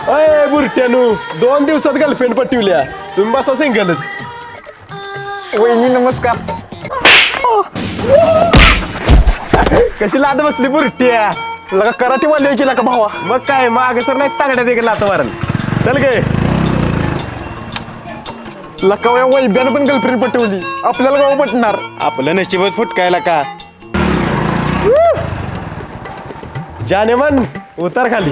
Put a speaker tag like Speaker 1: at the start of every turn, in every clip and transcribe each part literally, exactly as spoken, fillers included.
Speaker 1: अय बुरट्यानू दोन दिवसात गर्लफ्रेंड पटवल्या तुम्ही बसा सिंगलच.
Speaker 2: वहिनी नमस्कार.
Speaker 1: कशी लाद बसली बुरट्या
Speaker 2: लगा कराटे वाले केला का भावा.
Speaker 1: मग काय माग सर नाही तागड्या देखील लात मारल. चल गे
Speaker 2: लका वैब्यानं पण गर्लफ्रेंड पटवली आपल्याला गाव पटणार.
Speaker 1: आपलं नशीबच फुटकायला का. जाने मन उतर खाली.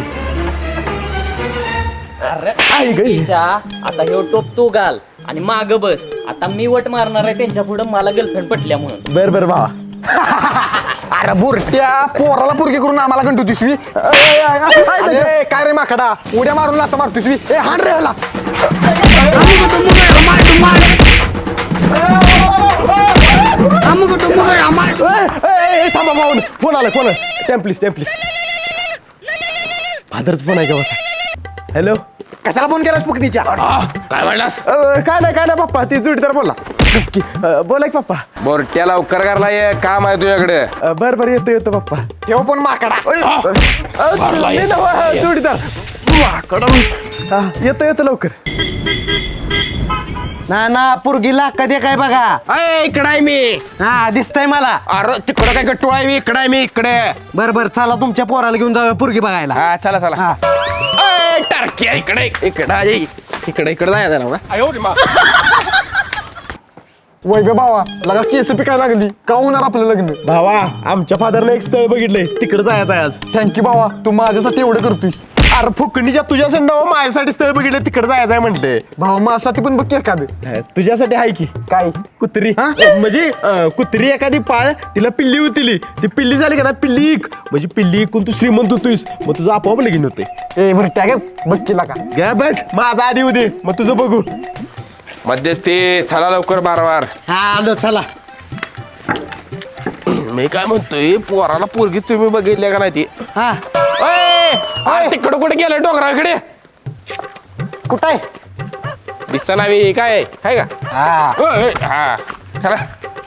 Speaker 3: अरे
Speaker 1: आई गई.
Speaker 3: तिच्या, आता हे टोप तू घाल आणि माग बस. आता मी वट मारणार आहे त्यांच्या पुढे मला गर्लफ्रेंड पटल्या म्हणून.
Speaker 1: बर बर भावा.
Speaker 2: अरे बुरट्या पोराला पुरगी करून आम्हाला गंटू दिसवी. काय रे माकडा उड्या मारून लाता मारतो दिसवी. ए हाण रे ह्याला.
Speaker 1: थांबा भाऊन फोन आला फोन. टेम्प्लिस टेम्प्लिस फादरच फोन आहे का बसा. हॅलो
Speaker 2: कशाला फोन केलास पुकनीच्या.
Speaker 4: काय म्हणलास?
Speaker 1: काय नाही काय नाही पप्पा ती जोडीदार बोला. नक्की बोला की पप्पा.
Speaker 4: बोरट्या लवकर करला ये काम आहे तुझ्याकडे.
Speaker 1: बर बर येतो येतो पप्पा.
Speaker 2: ठेव पण माकडा.
Speaker 1: नाही ना, जोडीदार हा, येतो येतो लवकर.
Speaker 5: ना ना पुरगीला कधी काय बघा.
Speaker 4: अय इकडे आहे मी.
Speaker 5: हा दिसतंय मला.
Speaker 4: अरे तिकडं काय गट्टू आहे मी. इकडे आहे मी इकडे.
Speaker 5: बर बर चला तुमच्या पोराला घेऊन जाऊया पुरगी बघायला.
Speaker 4: हा चला चला.
Speaker 5: हा.
Speaker 4: अय टारकी इकडे इकडे आहे. इकडे इकडे जायचं ना का.
Speaker 2: वैभव भावा लगा केस पिकायला लागली का होणार आपलं लग्न.
Speaker 1: भावा आमच्या फादरने एक स्थळ बघितलंय तिकडे जायचं आहे आज.
Speaker 2: थँक्यू भावा तू माझ्यासाठी एवढं करतोस.
Speaker 1: अरे फुकणीच्या तुझ्या संडाव माझ्यासाठी स्थळ बघितलं तिकडे जायचं आहे म्हटले.
Speaker 2: भावा माझ्यासाठी पण बघ की एखादं.
Speaker 1: तुझ्यासाठी आहे की
Speaker 2: काय
Speaker 1: कुत्री. म्हणजे अं, कुत्री एखादी पाळ तिला पिल्ली होती. ती पिल्ली झाली का ना पिल्ली इक म्हणजे पिल्ली इकून तू श्रीमंत होतोस मग तुझं आपोआप लगीन होते.
Speaker 2: ए भरट्या गे बघ केला का.
Speaker 1: घ्या बस माझा आधी उदे मग तुझं बघू.
Speaker 4: मध्यस्थी चला लवकर बारवार.
Speaker 5: हा आलो चला.
Speaker 4: मी काय म्हणतोय पोराला पोरगी तुम्ही बघितल्या का नाही ती.
Speaker 5: हा
Speaker 4: अरे तिकडं कुठे गेलं डोंगराकडे.
Speaker 5: कुठं आहे.
Speaker 4: दिसना मी काय आहे का.
Speaker 5: हा
Speaker 4: ओय, हा चला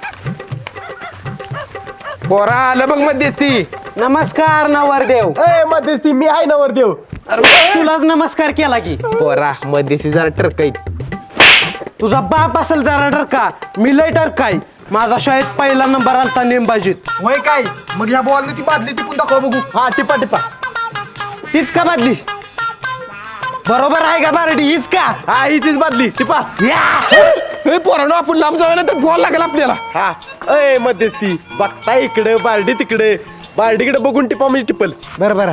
Speaker 4: पोरा आलं बघ मध्यस्थी.
Speaker 5: नमस्कार नवरदेव.
Speaker 1: ए मध्यस्थी मी आहे नवर देव.
Speaker 5: तुलाच नमस्कार केला की.
Speaker 4: पोरा मध्यस्थी जरा टरकाईत.
Speaker 5: तुझा बाप असेल जरा डरका मी लय डरकाय. माझा शाळेत पहिला नंबर आलता नेमबाजीत.
Speaker 2: वय काय मग या बॉलने ती बादली टिपून दाखवा बघू.
Speaker 1: हा टिपा टिपा.
Speaker 5: तीच का बादली. बरोबर आहे का बारडी हीच का.
Speaker 1: हा हीचीच बादली टिपा.
Speaker 4: हे पोरानो आपण लांब जाऊया ना तर बॉल लागेल आपल्याला.
Speaker 1: हा अय मध्यस्थी बघता इकडे बारडी तिकडे बारडीकडे बघून टिपा म्हणजे टिपल.
Speaker 5: बरोबर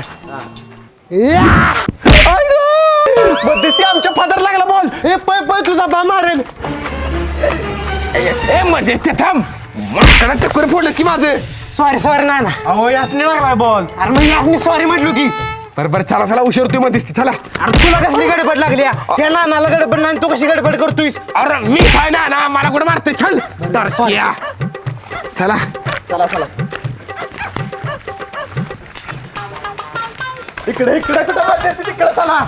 Speaker 1: मध्यस्थी आमच्या फादर लागला बॉल.
Speaker 5: ए पै पै तुझा बा मारेल.
Speaker 4: ए मध्यस्थी थांब. माकडा टक्कर फोडलं की माझं.
Speaker 5: सॉरी सॉरी ना ना.
Speaker 1: अहो यासने लागला बॉल.
Speaker 5: अरे मग यासनी सॉरी म्हटलो की.
Speaker 4: बरं बरं चला चला उशीर होतोय मध्यस्थी चला.
Speaker 5: अरे तुला कसली गडबड लागली हा? त्या नानाला गडबड नाही तू कशी गडबड करतोयस.
Speaker 4: अरे मी काय ना ना मला कुठे मारते चल. तरकिया. चला
Speaker 1: चला चला इकडे इकडे कुठं मध्यस्थी तिकडे चला.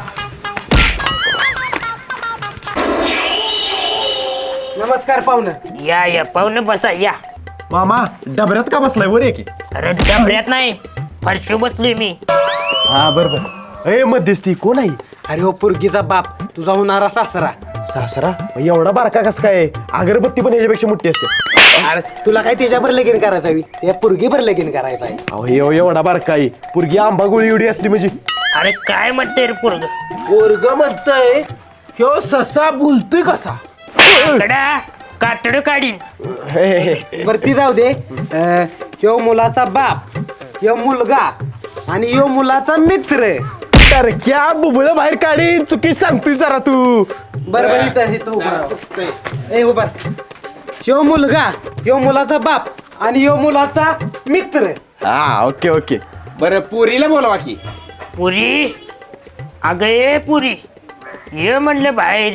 Speaker 5: नमस्कार पाहुणं.
Speaker 6: या या पाहुणे बसा या.
Speaker 1: मामा डबऱ्यात का बसलाय वर की.
Speaker 6: अरे डबऱ्यात नाही फरशी बसलोय मी.
Speaker 1: हा बरोबर. ए मध्यस्थी कोण आहे.
Speaker 5: अरे हो पुरगीचा बाप तुझा होणारा सासरा.
Speaker 1: सासरा एवढा बारका कस काय. अगरबत्ती पण याच्यापेक्षा मोठी असते.
Speaker 5: अरे तुला काय त्याच्यावर लगीन करायचं आहे त्या पुरगीवर लगीन करायचं आहे.
Speaker 1: अहो हे एवढा बारका आहे पुरगी आंबा गोळी एवढी असली म्हणजे.
Speaker 6: अरे काय म्हणते रे पोरग.
Speaker 4: पोरग म्हणतय ह्यो ससा बोलतोय कसा.
Speaker 6: कडा कातड काढीन.
Speaker 1: हे, हे, हे.
Speaker 5: वरती जाऊ दे. अं, ह्यो मुलाचा बाप ह्यो मुलगा आणि ह्यो मुलाचा मित्र.
Speaker 1: तर क्या बुबळ बाहेर काढीन चुकी सांगतोय जरा तू.
Speaker 5: बरोबर इथं इथं उभा राहा. ए उभा राहा. ह्यो मुलगा ह्यो मुलाचा बाप आणि ह्यो मुलाचा मित्र.
Speaker 1: हा ओके ओके.
Speaker 4: बरं पुरीला बोलवा की.
Speaker 6: पुरी अगं ये पुरी ये म्हणलं बाहेर.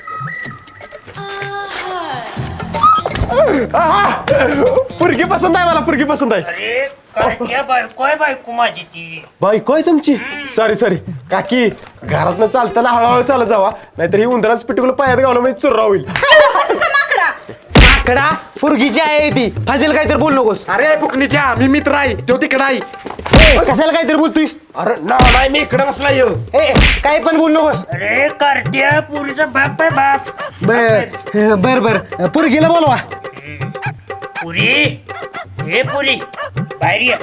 Speaker 1: पुरगी पसंत आहे मला पुरगी पसंत आहे.
Speaker 6: अरे काय बायको आहे बायको माझी ती.
Speaker 1: बायको आहे तुमची. सॉरी सॉरी काकी घरातनं चालताना हळूहळू चालत जावा नाहीतर ही उंदराच पिटकुल पायात गावलं म्हणजे चुर्रा होईल.
Speaker 5: माकडा पोरगीची आहे ती फाजील काहीतरी बोल नकोस.
Speaker 2: अरे फुकणीच्या मी मित्र आहे तो तिकडे आहे.
Speaker 5: ए, कशाला काहीतरी बोलतोयस.
Speaker 2: अरे ना नाही मी इकडे बसला येऊ.
Speaker 5: ए काय पण बोल नकोस.
Speaker 6: अरे कार्ट्या पुरीचा बाप आहे बाप.
Speaker 5: बर बर बर पोरगीला बोलवा.
Speaker 6: पुरी हे पुरी बाहेर ये.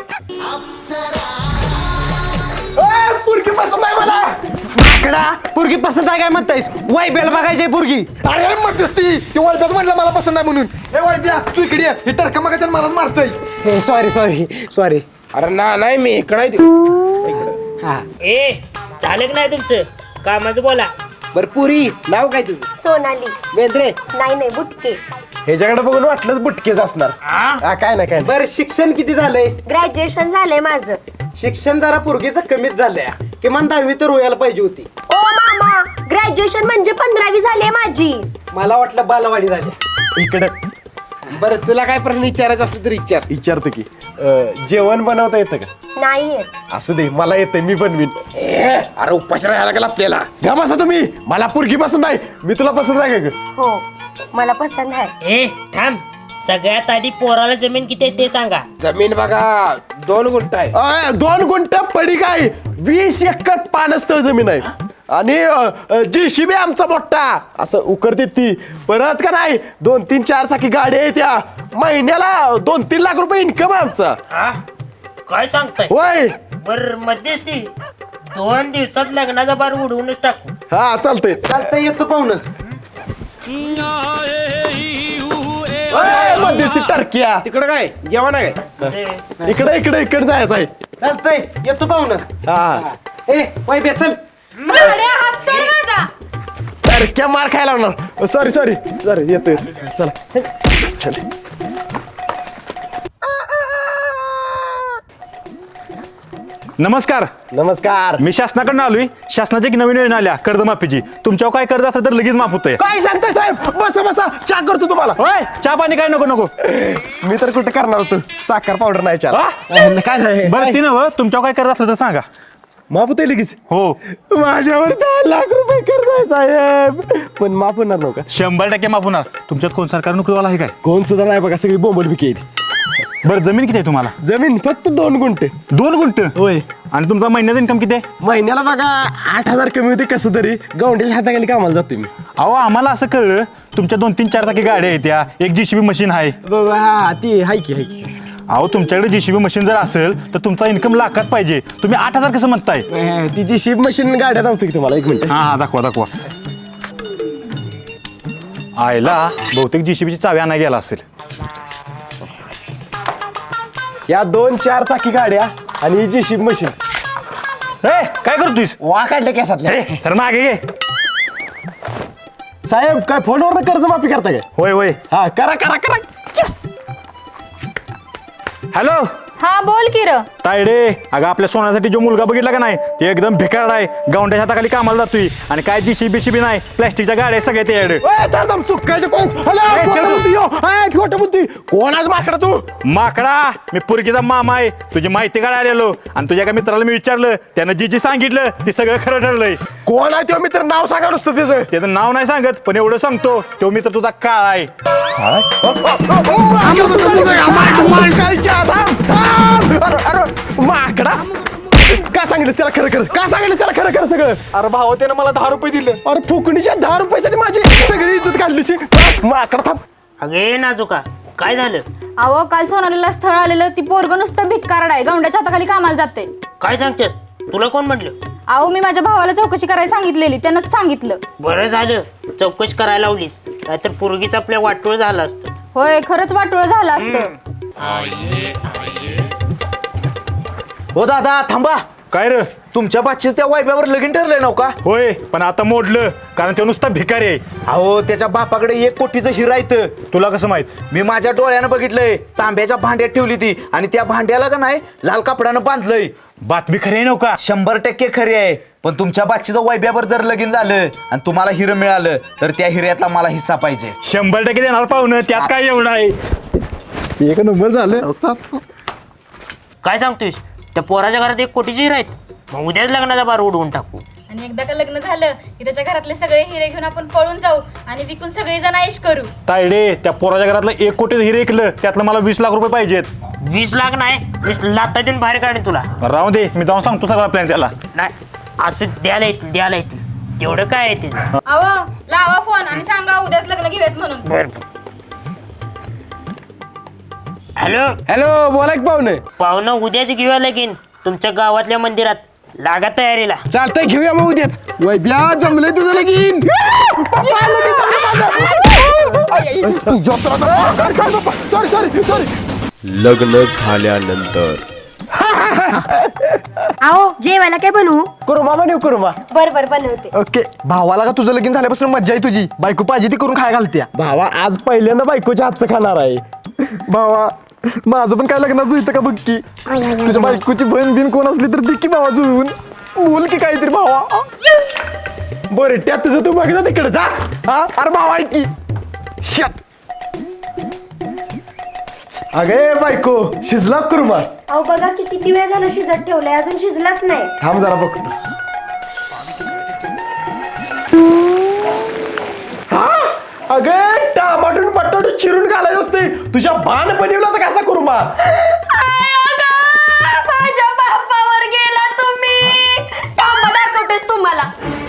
Speaker 2: पुरकी पसंत आहे मला.
Speaker 5: माकडा पोरगी पसंत आहे काय म्हणतायस. वाय बेल बघायची पोरगी.
Speaker 2: अरे मध्यस्थी ते वैद्यात म्हटलं मला पसंत आहे म्हणून. हे वैद्या तू इकडे ये. हे टरका मग मलाच मारतोय.
Speaker 5: Sorry sorry sorry.
Speaker 4: अरे ना नाही मी इकडे आहे ते.
Speaker 5: हा
Speaker 6: ए झालं की नाही तुमचं कामाचं बोला.
Speaker 4: बर पुरी नाव काय तुझं?
Speaker 7: सोनाली.
Speaker 4: वेंद्रे.
Speaker 7: नाही नाही बुटके.
Speaker 1: ह्याच्याकडे बघून वाटलंच बुटकेच असणार.
Speaker 6: हा
Speaker 1: हा, काय ना काय
Speaker 5: बर शिक्षण किती झालंय.
Speaker 7: ग्रॅज्युएशन झालंय माझं.
Speaker 5: शिक्षण जरा पोरगीचं कमीच झालंय. किमान दहावी तर व्हायला पाहिजे होती.
Speaker 7: ओ मामा ग्रॅज्युएशन म्हणजे पंधरावी झाली माझी.
Speaker 5: मला वाटलं बालवाडी झाली.
Speaker 1: इकडं
Speaker 4: बरं तुला काय प्रश्न विचारायचं असलं तर विचार.
Speaker 1: विचारतो की अं, जेवण बनवता येतं का?
Speaker 7: नाही येत.
Speaker 1: असं दे मला येतंय मी बनवीन.
Speaker 4: ए, अरे उपाशी राहायला लागला आपल्याला.
Speaker 1: घ्या बसा तुम्ही. मला पोरगी पसंत आहे. मी तुला पसंत आहे का ग?
Speaker 7: हो मला पसंत आहे.
Speaker 6: ए थांब सगळ्यात आधी पोराला जमीन किती आहे ते सांगा.
Speaker 4: जमीन बघा दोन गुंठ आहे.
Speaker 1: अं, दोन गुंठ पडी काय वीस एकर पानस्थळ जमीन आहे. आणि जेसीबी आमचा मोठा असं उकरते ती. परत का नाही दोन तीन चार चाकी गाडी आहे त्या. महिन्याला दोन तीन लाख रुपये इन्कम आहे आमचा.
Speaker 6: हा काय सांगताय.
Speaker 1: होय.
Speaker 6: बर मध्यस्थी दोन दिवसात लग्नाचा बार उडवूनच टाकू.
Speaker 1: हा चालतंय.
Speaker 5: चालतंय येतो पाहुणं.
Speaker 1: अय, मध्यस्थी टर्किया.
Speaker 4: तिकडं काय जेवण आहे काय?
Speaker 6: ए,
Speaker 1: इकडे इकडे इकडे जायचं आहे.
Speaker 5: चालतंय येतो पाहुणं.
Speaker 1: हा
Speaker 5: ए वाय बे चल.
Speaker 1: टर्क्या मार खायला लागणार. सॉरी सॉरी सॉरी येतो येतो. चला.
Speaker 8: नमस्कार.
Speaker 1: नमस्कार.
Speaker 8: मी शासनाकडून आलोय. शासनाची एक नवीन योजना आल्या कर्जमाफीची. तुमच्यावर काय कर्ज असलं तर लगेच माफ होतंय.
Speaker 1: काय सांगताय साहेब. बसा बसा चहा करतो तुम्हाला.
Speaker 8: होय चहा पाणी काय नको नको.
Speaker 1: मी तर कुठे करणार होतो. साखर पावडर नाही चहा. काय नाही
Speaker 8: बरं ती नव तुमच्यावर काय कर्ज असलं तर सांगा.
Speaker 1: माफ होतंय लगेच.
Speaker 8: हो
Speaker 1: माझ्यावर दहा लाख रुपये कर्ज आहे साहेब. पण माफ होणार नव्हता.
Speaker 8: शंभर टक्के माफ होणार. तुमच्यात कोण सरकारी नोकरीवाला आहे काय?
Speaker 1: कोण सुद्धा नाही बघा. सगळी बोंबल बिकी
Speaker 8: बरं जमीन किती आहे तुम्हाला?
Speaker 1: जमीन फक्त दोन गुंठे.
Speaker 8: दोन गुंठ.
Speaker 1: होय.
Speaker 8: आणि तुमचा महिन्याचा इन्कम किती आहे?
Speaker 1: महिन्याला बघा आठ हजार कमी होते कसं तरी. गवंडीच्या हाताखाली कामाला जातोय मी.
Speaker 8: अहो आम्हाला असं कळलं तुमच्या दोन तीन चार चाकी गाड्या आहेत त्या. एक जीसीबी मशीन आहे.
Speaker 1: बाबा हा ती हाय की हाय की.
Speaker 8: अहो तुमच्याकडे जीसीबी मशीन जर असेल तर तुमचा इन्कम लाखात पाहिजे. तुम्ही आठ हजार कसं म्हणताय?
Speaker 1: अं, ती जी शिप मशीन गाड्या धावतो की तुम्हाला. एक मिनिट.
Speaker 8: हा हा दाखवा दाखवा. आयला बहुतेक जीसीबीची चावी आणा गेला असेल.
Speaker 1: या दोन चार चाकी गाड्या आणि जी शिप मशीन.
Speaker 8: ए काय करतोयस?
Speaker 1: वा काढले केसातल्या.
Speaker 8: ए सर मागे घे.
Speaker 1: साहेब काय फोनवर कर्ज माफी करता काय?
Speaker 8: होय होय.
Speaker 1: हा करा करा करा. Yes.
Speaker 8: हॅलो
Speaker 9: हा बोल की र.
Speaker 8: तायडे अगं आपल्या सोन्यासाठी जो मुलगा बघितला का नाही ते एकदम भिकारड आहे. गावंड्याच्या हाताखाली कामाला जातोय. आणि काय जी शिबी शिबी नाही प्लॅस्टिकच्या गाड्या सगळ्या ते
Speaker 1: ए, दादा, चुकायचं कोण? हॅलो,
Speaker 8: ए,
Speaker 1: खोटं
Speaker 8: चल.
Speaker 1: बोलतोय ह्यो. ए, खोटं बोलतोय. कोणाच माकडा तू?
Speaker 8: माकडा मी पुरकीचा मामा आहे. तुझी माहिती काढायला आलेलो आणि तुझ्या एका मित्राला मी विचारलं त्यानं जी जी सांगितलं ते सगळं खरं ठरलंय.
Speaker 1: कोण आहे तो मित्र? नाव सांगा नुसतं त्याचं.
Speaker 8: त्याचं नाव नाही सांगत पण एवढं सांगतो तो मित्र तुझा काळ आहे.
Speaker 1: अरे माकडा का सांगितलं त्याला खरं खरं? का सांगितलं त्याला खरं खरं सगळं?
Speaker 2: अरे भावा त्यानं मला दहा रुपये दिले.
Speaker 1: अरे फुकणीच्या दहा रुपयासाठी माझी सगळी इज्जत काढलीची. माकडा थांब.
Speaker 6: अगे नाजुका काय झालं.
Speaker 9: अहो काल सोनालीला स्थळ आलेलं. ती पोरग नुसतं भिक्कारड आहे. गवंड्याच्या हाताखाली कामाला जाते.
Speaker 6: काय सांगतेस तुला कोण म्हटलं.
Speaker 9: अहो मी माझ्या भावाला चौकशी करायला सांगितलेली. त्यानंच सांगितलं.
Speaker 6: बरं झालं चौकशी करायला लावलीस नाहीतर पोरगीच आपल्या वाटोळ झालं असतं.
Speaker 9: होय खरंच वाटोळं झालं असतं.
Speaker 5: हो दादा थांबा.
Speaker 8: काय र?
Speaker 5: तुमच्या बादशीच त्या वायब्यावर लगीन ठरलंय नव का?
Speaker 8: होय पण आता मोडलं कारण तो नुसता भिकारी आहे.
Speaker 5: अहो त्याच्या बापाकडे एक कोटीचं हिरा येतं.
Speaker 8: तुला कसं माहित?
Speaker 5: मी माझ्या डोळ्यानं बघितलंय. तांब्याच्या भांड्यात ठेवली ती आणि त्या भांड्याला का नाही लाल कपड्यानं बांधलंय.
Speaker 8: बातमी खरी आहे नव्हता?
Speaker 5: शंभर टक्के खरी आहे. पण तुमच्या बादशीचं वैब्यावर जर लगीन झालं आणि तुम्हाला हिरं मिळालं तर त्या हिऱ्यातला मला हिस्सा पाहिजे.
Speaker 8: शंभर टक्के देणार पाहुणं. त्यात काय एवढं आहे?
Speaker 1: एक नंबर झालं.
Speaker 6: काय सांगतोयस त्या पोराच्या घरात एक कोटीची हिरा आहेत. मग उद्याच लग्नाचा बार उडवून टाकू.
Speaker 9: आणि एकदा का लग्न झालं की त्याच्या घरातले सगळे हिरे घेऊन आपण पळून जाऊ आणि विकून सगळी जण ऐश करू.
Speaker 8: तायडे त्या पोराच्या घरातलं एक कोटी हिरे ऐकलं त्यातलं मला वीस लाख रुपये पाहिजेत.
Speaker 6: वीस लाख नाही वीस लाता देऊन बाहेर काढेन तुला.
Speaker 8: राहू दे मी जाऊन सांगतो सगळा प्लॅन त्याला.
Speaker 6: नाही असं द्यायला येतील द्यायला येतील तेवढं काय येतील.
Speaker 9: अहो लावा फोन आणि सांगा उद्याच लग्न घेऊयात म्हणून.
Speaker 6: बर हॅलो
Speaker 1: हॅलो बोला की पाहुणे.
Speaker 6: पाहुणं उद्याच घेऊया लगीन तुमच्या गावातल्या मंदिरात. लागा तयारीला.
Speaker 1: चालतंय घेऊया मग उद्याच. वैब्या जमलंय तुझं लगीन. Sorry sorry sorry.
Speaker 10: लग्न झाल्यानंतर
Speaker 7: आओ जेवायला काय बनवू?
Speaker 1: कुरुमा बनव कुरुमा.
Speaker 7: बर बर बनवते.
Speaker 1: ओके.
Speaker 2: भावाला का तुझं लगीन झाल्यापासून मज्जा आहे तुझी. बायको पाहिजे ती करून खाय घालत्या.
Speaker 1: भावा आज पहिल्यांदा बायकोच्या हातचं खाणार आहे.
Speaker 2: भावा माझं पण काय लग्नात जुळतं का बघ की. तुझ्या बायकोची बहीण बिन कोण असली तर दे की भावा जुळवून. बोल की काहीतरी भावा.
Speaker 1: बरं त्या तुझं तू बघ जा तिकडे जा.
Speaker 2: हा अरे भावा ऐक की. शट.
Speaker 1: अगे बायको शिजला कुरुमा.
Speaker 7: अहो बघा की किती वेळ झाला शिजत ठेवलाय अजून शिजलाच नाही.
Speaker 1: थांब जरा बघतो. हा अगे टमाटून बटाटू चिरून घालायचं असते. तुझ्या बाण बनवला तर कसा कुरुमा.
Speaker 7: माझ्या बापावर गेला तुम्ही. थांबा दाखवतेस तुम्हाला.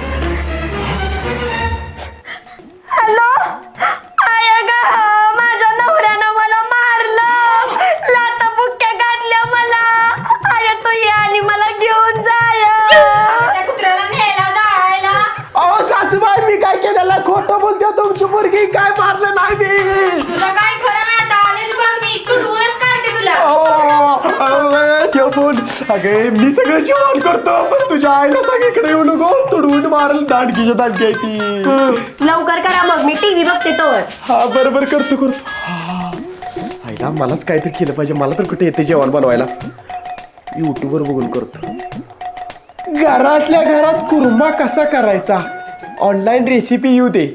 Speaker 7: हॅलो आय ग माझ्या नवऱ्यानं मला मारलं. लाता बुक्क्या घातल्या मला. अरे तू ये आणि मला घेऊन जाय.
Speaker 9: त्या कुत्र्याला नेला जाळायला.
Speaker 1: अहो सासूबाई मी काय केलेलं खोटं बोलते तुमची मुलगी काय मारलं नाही मी.
Speaker 9: तुला काय खरं नाही आता आलेच बघ मी तुडवूनच काढते तुला.
Speaker 1: ठेव फोन. अगे मी सगळं जेवण करतो पण तुझ्या आईला सांग इकडे येऊ नको. तुडवून मारल दांडकीच्या दांडकी आहे ती.
Speaker 7: लवकर करा मग मी टीव्ही बघते तोवर.
Speaker 1: हा बरोबर करतो करतो. हा. आईला मलाच काहीतरी केलं पाहिजे. मला तर कुठे येते जेवण बनवायला. युट्यूबवर बघून करतो. घरातल्या घरात कुर्मा कसा करायचा ऑनलाईन रेसिपी येऊ दे.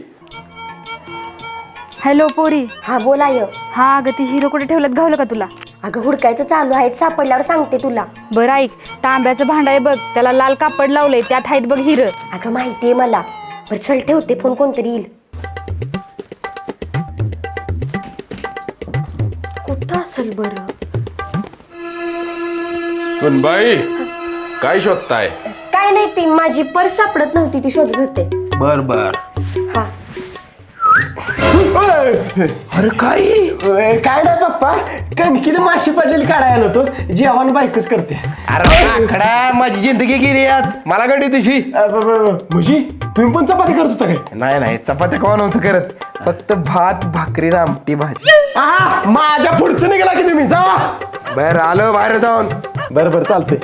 Speaker 9: हॅलो पोरी.
Speaker 7: हा बोला य.
Speaker 9: हा अगं ती हिरो कुठे ठेवलं गावलं का तुला.
Speaker 7: अगं हुडकायचं चालू आहे सापडल्यावर सांगते तुला.
Speaker 9: बरं ऐक तांब्याचं भांड आहे बघ त्याला लाल कापड लावलंय त्यात आहेत बघ हिरं.
Speaker 7: अगं माहितीये मला. बरं चल ठेवते फोन कोणतरी येईल. कुठं असेल बरं.
Speaker 10: सुनबाई काय शोधताय.
Speaker 7: काय नाही ती माझी पर्स सापडत नव्हती ती शोधत होते.
Speaker 10: बर बर.
Speaker 7: हा
Speaker 1: अरे काय अय, काय नाही पप्पा कणकीने माशी पडलेली काढायला होतो. जेवण बायकोच करते.
Speaker 4: अरे आकडा माझी जिंदगी गेली यात मला कधी तुझी.
Speaker 1: अ, ब- ब- ब- म्हणजे तुम्ही पण चपाती करत होता काय.
Speaker 4: नाही नाही चपात्या कोण नव्हतं करत फक्त भात भाकरी आणि आमटी भाजी.
Speaker 1: हा माझ्या पुढचं निघाला की तुम्ही जा.
Speaker 4: बर आलो बाहेर जाऊन.
Speaker 1: बरं बरं चालते.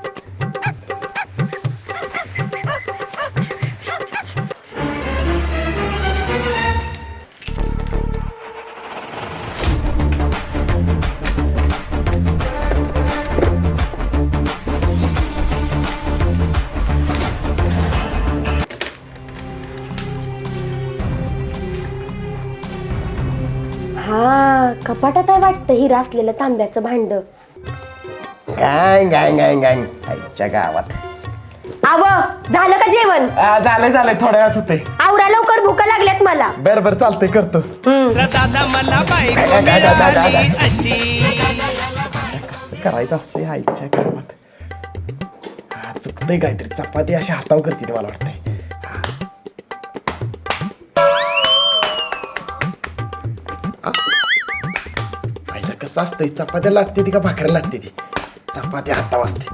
Speaker 7: हा कपाटात आहे वाटतं हिरा असलेलं तांब्याचं भांड.
Speaker 1: गाय गाय गाय गाय आईच्या गावात.
Speaker 7: आव झालं का जेवण.
Speaker 1: आ, झालंय झालंय थोड्या वेळात होतंय.
Speaker 7: आवरा लवकर भूका लागल्यात मला.
Speaker 1: बरं बरं चालतंय करतो. कसं करायचं असते आईच्या गावात. हा चुकतंय काहीतरी. चपाती अशी हातावर करते ते मला वाटतंय. हा. आईला कसं असतंय चपात्या लागते ती का भाकऱ्या लागते ती. चपाती हातावर असते.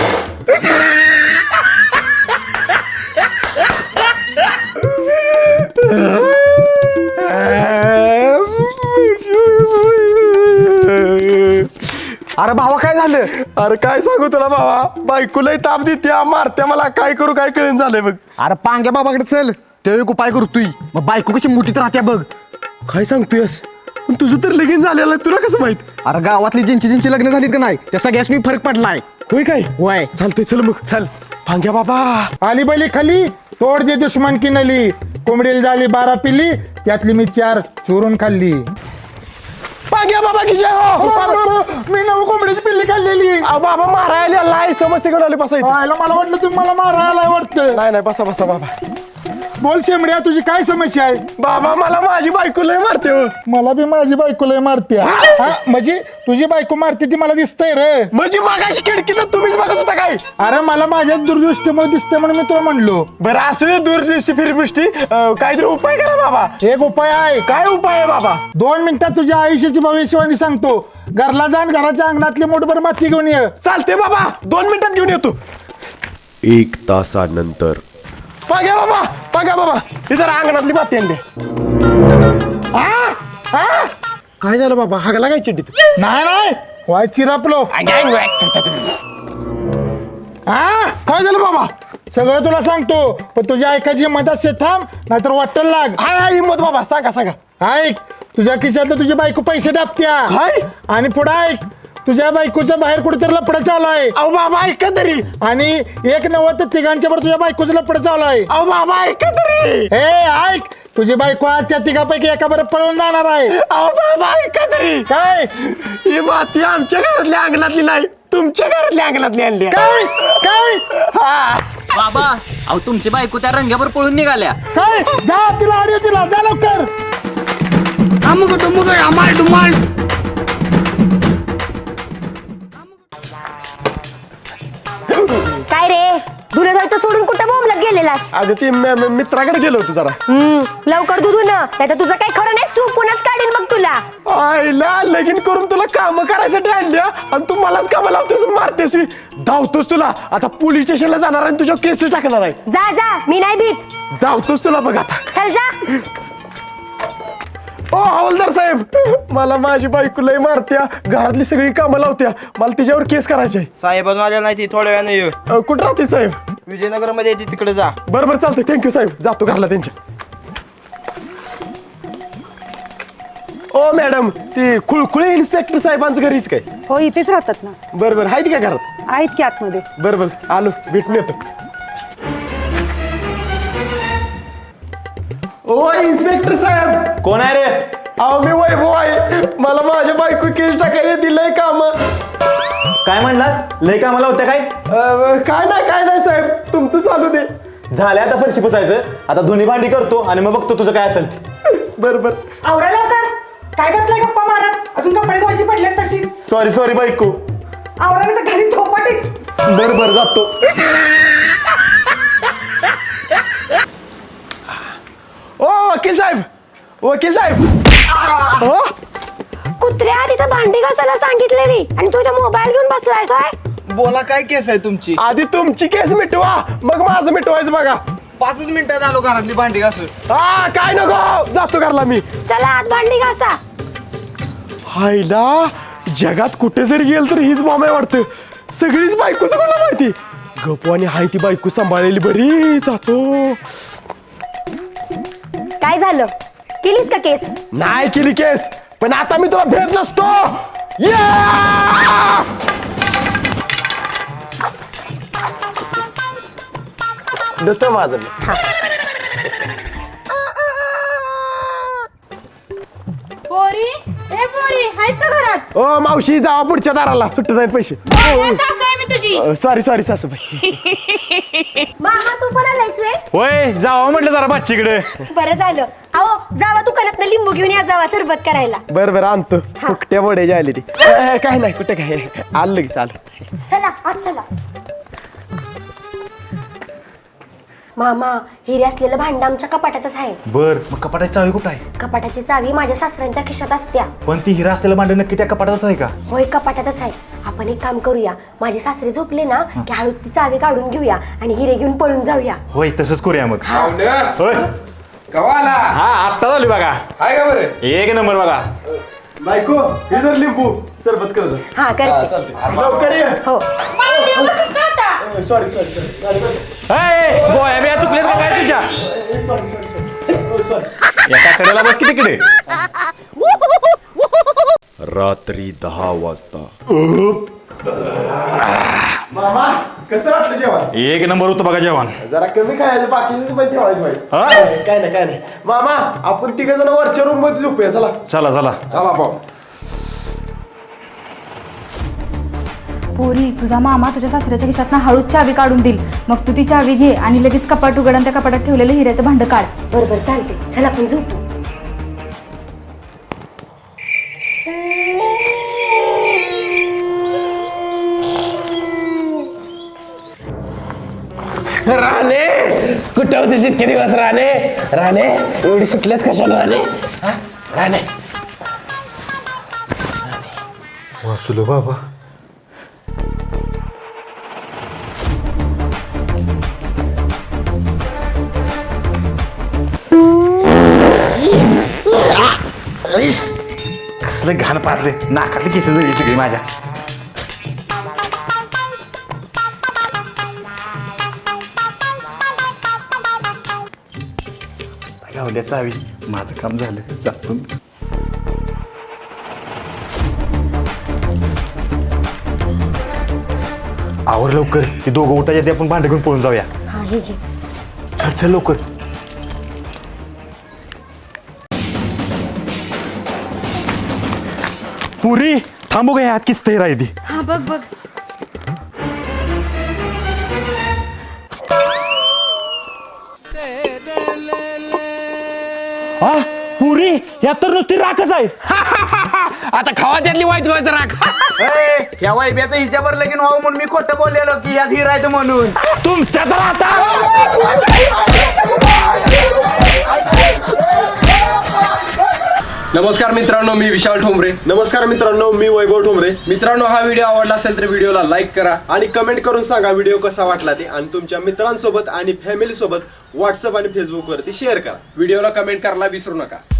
Speaker 2: अरे भावा काय झालं.
Speaker 1: अरे काय सांगू तुला बाबा बायकोलाही ताप देत्या मारत्या मला काय करू काय कळून झालंय बघ.
Speaker 2: अरे पांग्या बाबाकडे चल. ते एक उपाय करतोय. मग बायको कशी मुठीत राहत्या बघ.
Speaker 1: काय सांगतोयस पण तुझं तर लगीन झालेलं आहे तुला कसं माहित.
Speaker 2: अरे गावातली ज्यांची ज्यांची लग्न झालीत का नाही त्या सगळ्याच मी फरक पडलाय.
Speaker 1: होय काय
Speaker 2: वय
Speaker 1: चालतंय चल मग चल. भांग्या बाबा
Speaker 11: आली बैली खाली तोड दे दुश्मन की नली. कोंबडीला झाली बारा पिल्ली त्यातली मी चार चोरून खाल्ली.
Speaker 1: भांग्या बाबा की जय हो.
Speaker 11: मी नऊ कोंबडीची पिल्ली खाल्लेली.
Speaker 1: अहो, बाबा मारायला आलाय समस्या घेऊन आले बसायचं.
Speaker 11: आयला मला वाटलं तुम्ही मला मारायला वाटतं. वाटतं.
Speaker 1: नाही नाही बसा बसा बाबा.
Speaker 11: बोल शेमड्या, तुझी काय समस्या आहे?
Speaker 1: बाबा मला माझी बायको लय मारते हो.
Speaker 11: मला बी माझी बायको लय मारते. हा, म्हणजे तुझी बायको मारते ती मला दिसतंय रे.
Speaker 1: म्हणजे मागाशी खिडकीला तुम्हीच बघत होता काय?
Speaker 11: अरे मला माझ्या दूरदृष्टीमुळे दिसते म्हणून मी तुला म्हणलो.
Speaker 1: बरं असं दूरदृष्टी फिरदृष्टी अं, काहीतरी उपाय करा बाबा.
Speaker 11: एक उपाय आहे.
Speaker 1: काय उपाय आहे बाबा?
Speaker 11: दोन मिनिटात तुझ्या आयुष्याची भविष्यवाणी सांगतो. घरला जाण, घराच्या अंगणातली मोठभर माती घेऊन ये.
Speaker 1: चालते बाबा, दोन मिनिटात घेऊन येतो.
Speaker 10: एक तासानंतर
Speaker 1: बघा बाबा, बघा बाबा, इथं अंगणातली माती आणली.
Speaker 11: हा? हा?
Speaker 1: काय झालं बाबा? हागला काय चिड्डीत?
Speaker 11: नाही नाही वाय चिरापलो. हा?
Speaker 1: काय झालं बाबा?
Speaker 11: सगळं तुला सांगतो, पण तुझ्या ऐकायची हिंमत असते थांब, नाहीतर वाटेल लाग.
Speaker 1: हाय हाय हिंमत बाबा, सांगा सांगा.
Speaker 11: ऐक, तुझ्या खिशातलं तुझी बायको पैसे टाकत्या.
Speaker 1: काय?
Speaker 11: आणि पुढे ऐक, तुझ्या बायकोच्या बाहेर कुठेतरी लपडं चालू आहे.
Speaker 1: अहो बाबा ऐका तरी.
Speaker 11: आणि एक नव्वद तिघांच्या वर तुझ्या बायकोचं लपडं चालू आहे.
Speaker 1: अहो बाबा ऐका तरी.
Speaker 11: हे ऐक, तुझी बायको आज त्या तिघापैकी एका बरं पळून जाणार आहे.
Speaker 1: अहो बाबा ऐका तरी.
Speaker 11: काय
Speaker 1: ही माती आमच्या घरातल्या अंगणातली नाही, तुमच्या घरातल्या अंगणातली आणली आहे.
Speaker 11: काय काय
Speaker 1: हा.
Speaker 3: बाबा अहो तुमची बायको त्या रंग्यावर पळून निघाल्या.
Speaker 11: काय जा तिला आडी तिला जा लवकर.
Speaker 7: काय रे धुणं धुवायचं सोडून कुठं बोंबलत गेलेलास?
Speaker 1: अगं ती म- म- मित्राकडे गेलो होतो जरा.
Speaker 7: हम्म, लवकर दुधू ना, नाही तर तुझं काही खरं नाही, चुपूनच काढीन बघ तुला.
Speaker 1: आईला लगीन करून तुला काम करायसाठी आणल्या आणि तू मलाच कामाला लावतेस आणि मारतेस. धावतोस तुला आता पोलीस स्टेशनला जाणार आणि तुझ्या केस टाकणार आहे.
Speaker 7: जा जा, मी नाही भीत.
Speaker 1: धावतोस तुला बघ आता.
Speaker 7: चल जा.
Speaker 1: ओ हवालदार साहेब, मला माझी बायको लय मारत्या, घरातली सगळी कामं लावत्या, मला तिच्यावर केस करायची आहे.
Speaker 5: साहेब माझ्या नाही ती थोड्या वेळाने येऊ.
Speaker 1: अ, कुठं राहते साहेब?
Speaker 5: विजयनगर मध्ये येते तिकडे जा.
Speaker 1: बरं बरं चालतंय, थँक्यू साहेब, जातो घरला त्यांच्या. ओ मॅडम, ती खुळखुळे इन्स्पेक्टर साहेबांचं घरीच काय?
Speaker 12: हो इथेच राहतात ना.
Speaker 1: बरं बरं आहेत का घरात?
Speaker 12: आहेत की आतमध्ये.
Speaker 1: बरं बरं आलो, भेटून येतो. ओ इन्स्पेक्टर साहेब.
Speaker 8: कोण आहे रे?
Speaker 1: अहो मी वैभव आहे, मला माझ्या बायको केस टाकायला दिलंय काम.
Speaker 8: काय म्हणलास? लय कामाला होत्या काय?
Speaker 1: काय नाही काय नाही साहेब, तुमचं चालू दे.
Speaker 8: झाल्या आता फरशी पुसायचं, आता धुनी भांडी करतो आणि मग बघतो तुझं काय असेल.
Speaker 1: बरं बरं.
Speaker 12: आवरायला होतात. काय बसलाय गप्पा मारत? अजून कपडे धुवायची पडलेत तशीच.
Speaker 8: सॉरी सॉरी बायको.
Speaker 12: आवरायला तर घरी थोपाटीच.
Speaker 1: बरं बरं जातो. ओ वकील साहेब, वकील साहेब. हो?
Speaker 7: कुत्र्या तिथं भांडी घासायला सांगितलेली आणि तू इथं मोबाईल घेऊन बसलायस होय?
Speaker 5: बोला काय केस आहे तुमची?
Speaker 1: आधी तुमची केस मिटवा, मग माझं मिटवायचं बघा.
Speaker 5: पाचच मिनिटात आलो घरातली भांडी घासून.
Speaker 1: हा काय नको, जातो घरला मी.
Speaker 7: चला आत भांडी घासा.
Speaker 1: हायला जगात कुठे जरी गेल तर हीच बॉम्ब आहे वाटतं. सगळीच बायकोच कोणाला माहिती. गपवानी हाय ती बायको सांभाळलेली बरी. जातो.
Speaker 7: काय झालं, केलीस का केस?
Speaker 1: नाही केली केस, पण आता मी तुला भेट नसतो. या! देतो माझं मी.
Speaker 9: पोरी ए पोरी हायस का घरात?
Speaker 1: ओ मावशी जावा पुढच्या दाराला, सुट्ट नाही पैसे.
Speaker 9: ए, सासू आहे मी तुझी.
Speaker 1: सॉरी सॉरी सासूबाई.
Speaker 7: मामा तू पण आलायस व्हय?
Speaker 8: होय जावं म्हटलं जरा बाच्चीकडे.
Speaker 7: बरं झालं. अहो जावा दुकानात लिंबू घेऊन या, जावा सरबत करायला.
Speaker 1: बरं बरं आणतो. फुकट्या वड्याची आली ती. ए, काय नाही कुठे काय आलं की चालू.
Speaker 7: चला आत चला. मामा हिरे असलेलं भांड आमच्या कपाटातच आहे.
Speaker 8: बर मग कपाटाची चावी कुठं आहे?
Speaker 7: कपाटाची चावी माझ्या सासऱ्यांच्या खिशात असत्या.
Speaker 8: पण ती हिरा असलेलं भांड नक्की त्या कपाटातच आहे का?
Speaker 7: होय कपाटातच आहे. आपण एक काम करूया, माझे सासरे झोपले ना की हळूच ती चावी काढून घेऊया आणि हिरे घेऊन पळून जाऊया.
Speaker 8: होय तसंच करूया मग. होय
Speaker 10: कवाला
Speaker 8: हा आत्ता झाली बघा.
Speaker 10: हाय का बरं?
Speaker 8: एक नंबर बघा.
Speaker 1: बायको इधर लिंबू सरबत कर.
Speaker 7: हा करते.
Speaker 1: लवकर ये.
Speaker 7: हो
Speaker 1: सॉरी सॉरी सॉरी.
Speaker 8: गोळ्या बिया चुकल्यात का काय तुझ्या? एका कडेला बस की तिकडे.
Speaker 10: रात्री दहा वाजता
Speaker 1: मामा कसं वाटलं जेवण?
Speaker 8: एक नंबर होतं बघा जेवण.
Speaker 1: जरा कमी खायचं, बाकीचं पण ठेवायचं व्हायचं.
Speaker 8: हा?
Speaker 1: काय नाही काय नाही. मामा आपण तिघ जण वरच्या रूम मध्ये झोपूया. चला
Speaker 8: चला चला.
Speaker 10: चला भाऊ.
Speaker 9: पोरी तुझा मामा तुझ्या सासऱ्याच्या खिशातनं हळूच चावी काढून देईल. मग तू ती चावी घे आणि लगेच कपाट उघड आणि त्या कपाटात ठेवलेलं हिऱ्याचं भांड काढ.
Speaker 7: बरोबर चालते चल आपण झोपू.
Speaker 1: राणे कुठं होतीस इतके दिवस राणे? राणे एवढी सुटल्याच कशाला राणे? हा? राणे
Speaker 11: वाचलो बाबा.
Speaker 8: कसलं घाण पारले नाकातली केस जळली सगळी माझ्या. गावल्या चावी माझं काम झालं जातो. आवर लवकर ती दोघं उठायच्या ते आपण भांडे घेऊन पळून जाऊया.
Speaker 7: हा हे घे.
Speaker 8: चल चल लवकर. पुरी थांबू का ह्यात किस्त राहिली.
Speaker 9: हा बघ बघ.
Speaker 8: हा पुरी यात तर नुसती राखच आहे.
Speaker 4: आता खावा त्यातली वाईच व्हायचं राख.
Speaker 5: या वैब्याचं हिच्यावर लगीन व्हावं म्हणून मी खोटं बोललेलो की ह्यात हिरायचं म्हणून.
Speaker 8: तुमच्या तर आता
Speaker 4: नमस्कार मित्रांनो, मी विशाल ठोंबरे.
Speaker 1: नमस्कार मित्रांनो, मी वैभव ठोंबरे.
Speaker 4: मित्रांनो, हा व्हिडिओ आवडला असेल तर व्हिडिओला लाईक करा
Speaker 1: आणि कमेंट करून सांगा व्हिडिओ कसा वाटला ते, आणि तुमच्या मित्रांसोबत आणि फॅमिली सोबत व्हॉट्सअप आणि फेसबुक वरती शेअर करा.
Speaker 4: व्हिडिओला कमेंट करायला विसरू नका.